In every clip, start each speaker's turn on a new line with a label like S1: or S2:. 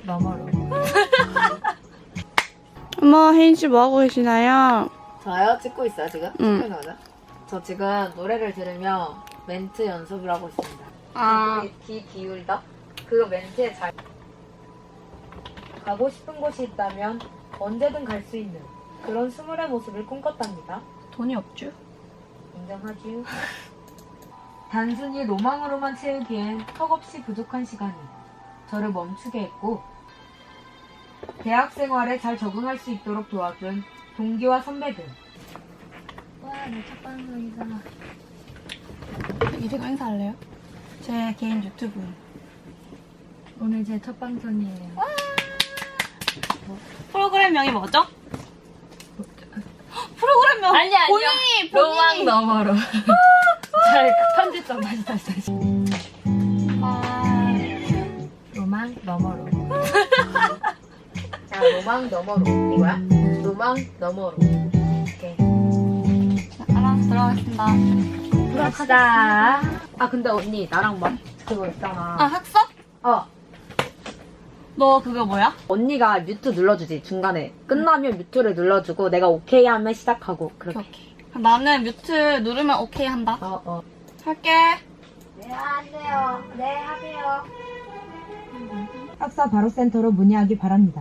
S1: 너머로.
S2: 어머, 혜인 씨 뭐하고 계시나요?
S1: 저요? 찍고 있어요 지금?
S2: 응.
S1: 찍고 있는 거죠? 저 지금 노래를 들으며 멘트 연습을 하고 있습니다.
S2: 아.
S1: 귀 기울다? 그 멘트에 잘 가고 싶은 곳이 있다면 언제든 갈 수 있는 그런 스물의 모습을 꿈꿨답니다.
S2: 돈이 없죠?
S1: 인정하지요? 단순히 로망으로만 채우기엔 턱없이 부족한 시간이 저를 멈추게 했고 대학 생활에 잘 적응할 수 있도록 도와준 동기와 선배들. 와, 내 첫 방송이다.
S2: 이제가 행사할래요? 제 개인 유튜브.
S1: 오늘 제 첫 방송이에요.
S2: 프로그램명이 뭐죠? 프로그램명
S1: 아니, 아니요.
S2: 본인이
S1: 로망 너머로. 잘 편집점 다시. 로망 너머로. 자, 로망 너머로. 이거야? 로망 너머로. 오케이.
S2: 알아서 들어가겠습니다.
S1: 갑시다. 아, 근데 언니, 나랑 막 그거 있잖아.
S2: 아, 학습?
S1: 어.
S2: 너 그거 뭐야?
S1: 언니가 뮤트 눌러주지, 중간에. 끝나면 뮤트를 눌러주고, 내가 오케이 하면 시작하고, 그렇게.
S2: 오케이. 그럼 나는 뮤트 누르면 오케이 한다.
S1: 어.
S2: 할게.
S1: 네, 하세요. 네, 하세요. 학사 바로센터로 문의하기 바랍니다.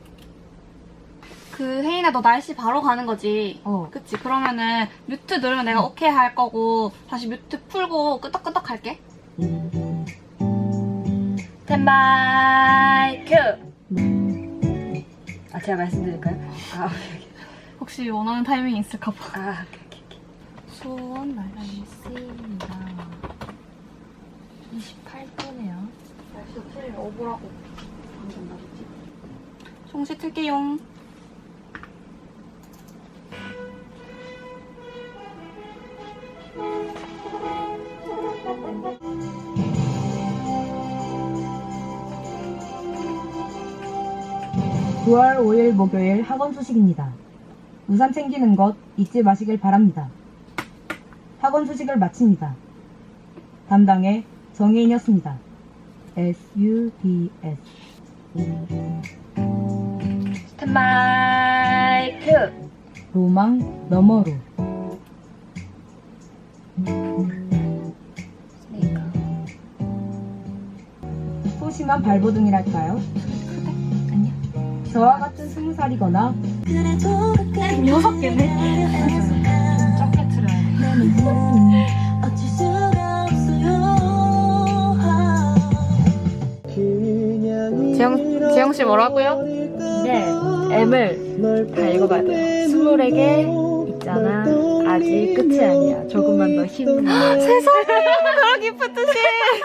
S2: 그 혜인아 너 날씨 바로 가는 거지?
S1: 어.
S2: 그치? 그러면은 뮤트 누르면 내가 오케이 할 거고 다시 뮤트 풀고 끄덕끄덕 할게. 스탠바이 큐!
S1: 아, 제가 말씀드릴까요? 아,
S2: 혹시 원하는 타이밍이 있을까봐.
S1: 아, 오케이.
S2: 수원 날씨입니다. 28도네요.
S1: 날씨 틀리면 오보라고.
S2: 송시 틀게용.
S3: (9월 5일) 목요일 학원 소식입니다. 우산 챙기는 것 잊지 마시길 바랍니다. 학원 소식을 마칩니다. 담당의 정혜인이었습니다. SUDS
S2: 스탠바이 큐!
S3: 로망 너머로. 소심한 발버둥이랄까요? 저와 같은 20살이거나
S2: 6개네?
S1: 적게 틀어야 돼.
S2: 지영씨 뭐라고요?
S1: 네, M을 다 읽어봐야 돼요. 20개 있잖아. 아직 끝이 아니야. 조금만 더 힘내.
S2: 세상에 그런 기쁘듯이.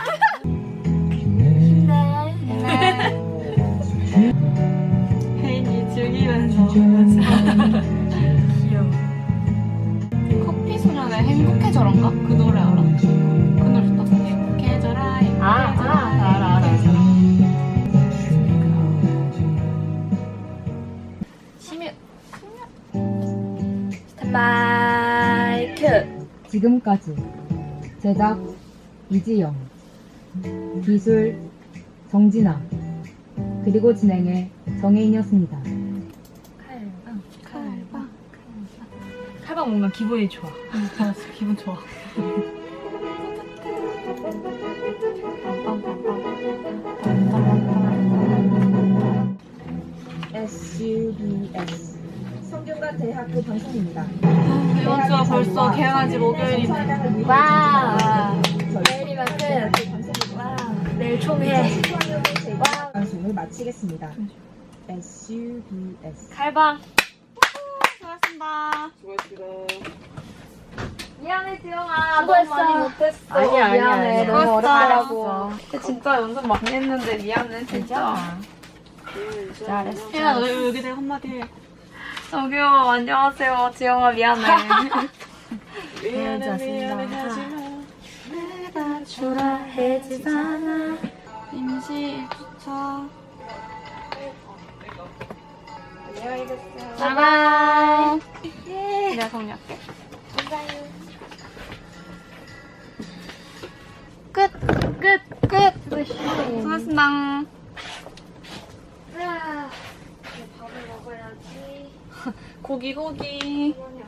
S2: 혜인이 즐기면서 귀여워. 커피 소년의 행복해져란가? 그 노래 알아? 그 노래 딱 행복해져라
S1: 알아.
S2: 심유 스탠바이 큐.
S3: 지금까지 제작 이지영, 기술 정진아, 그리고 진행의 정혜인이었습니다.
S2: 칼방 뭔가 기분이 좋아. 기분 좋아.
S3: SUBS 성균관 대학교 방송입니다.
S2: 이번 주가 벌써 개강한 지 목요일이네.
S1: 와.
S3: 내일이면 끝.
S1: 와. 내일 총회.
S3: 방송을 마치겠습니다. SUBS
S2: 칼방. 수고하셨습니다.
S1: 미안해, 지영아.
S2: 수고했어.
S1: 너무 많이 못했어.
S2: 아니야.
S1: 미안해. 너무
S2: 수고했어.
S1: 어렵더라고.
S2: 진짜 연습 많이 했는데 미안해 진짜.
S1: 잘했어.
S2: 혜인아 너 여기 대고 한마디 해. 저기요 안녕하세요 지영아 미안해.
S1: 미안해.
S2: 내가 초라해지잖아. 임시 1주차.
S1: 안녕히 계세요.
S2: 바이바이. 내가 정리할게. 끝. 수고하셨습니다. 고기 고기.